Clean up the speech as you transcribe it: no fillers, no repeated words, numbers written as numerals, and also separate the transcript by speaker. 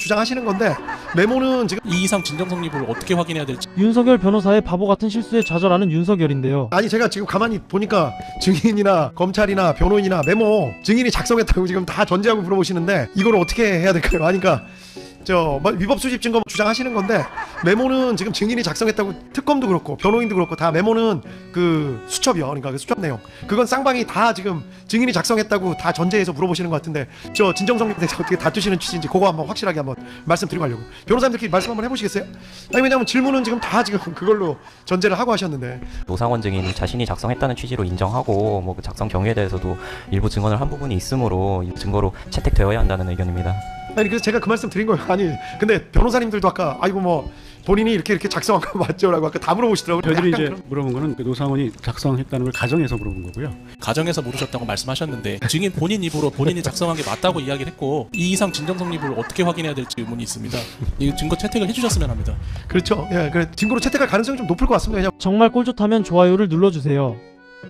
Speaker 1: 주장하시는 건데 메모는 지금
Speaker 2: 이 이상 진정 성립을 어떻게 확인해야 될지.
Speaker 3: 윤석열 변호사의 바보 같은 실수에 좌절하는 윤석열인데요.
Speaker 1: 아니 제가 지금 가만히 보니까 증인이나 검찰이나 변호인이나 메모 증인이 작성했다고 지금 다 전제하고 물어보시는데 이걸 어떻게 해야 될까요? 하니까 위법 수집 증거 주장하시는 건데 메모는 지금 증인이 작성했다고 특검도 그렇고 변호인도 그렇고 다 메모는 그 수첩이요. 그러니까 그 수첩 내용 그건 쌍방이 다 지금 증인이 작성했다고 다 전제해서 물어보시는 것 같은데 진정성립에 대해서 어떻게 다투시는 취지인지 그거 한번 확실하게 한번 말씀드리고 하려고. 변호사님들끼리 말씀 한번 해보시겠어요? 아니 왜냐면 질문은 지금 다 지금 그걸로 전제를 하고 하셨는데.
Speaker 4: 노상원 증인이 자신이 작성했다는 취지로 인정하고 뭐 그 작성 경위에 대해서도 일부 증언을 한 부분이 있으므로 이 증거로 채택되어야 한다는 의견입니다.
Speaker 1: 아니 그래서 제가 그 말씀 드린 거예요. 아니 근데 변호사님들도 아까 아이고 뭐 본인이 이렇게 작성한 거 맞죠라고 아까 다 물어보시더라고요.
Speaker 5: 저희들이 이제
Speaker 1: 그런...
Speaker 5: 물어본 거는 그 노상원이 작성했다는 걸 가정해서 물어본 거고요.
Speaker 2: 가정에서 모르셨다고 말씀하셨는데 증인 본인 입으로 본인이 작성한 게 맞다고 이야기를 했고 이 이상 진정 성립을 어떻게 확인해야 될지 의문이 있습니다. 이 증거 채택을 해주셨으면 합니다.
Speaker 1: 그렇죠. 예, 그래 증거로 채택할 가능성이 좀 높을 것 같습니다. 왜냐면
Speaker 3: 정말 꼴 좋다면 좋아요를 눌러주세요.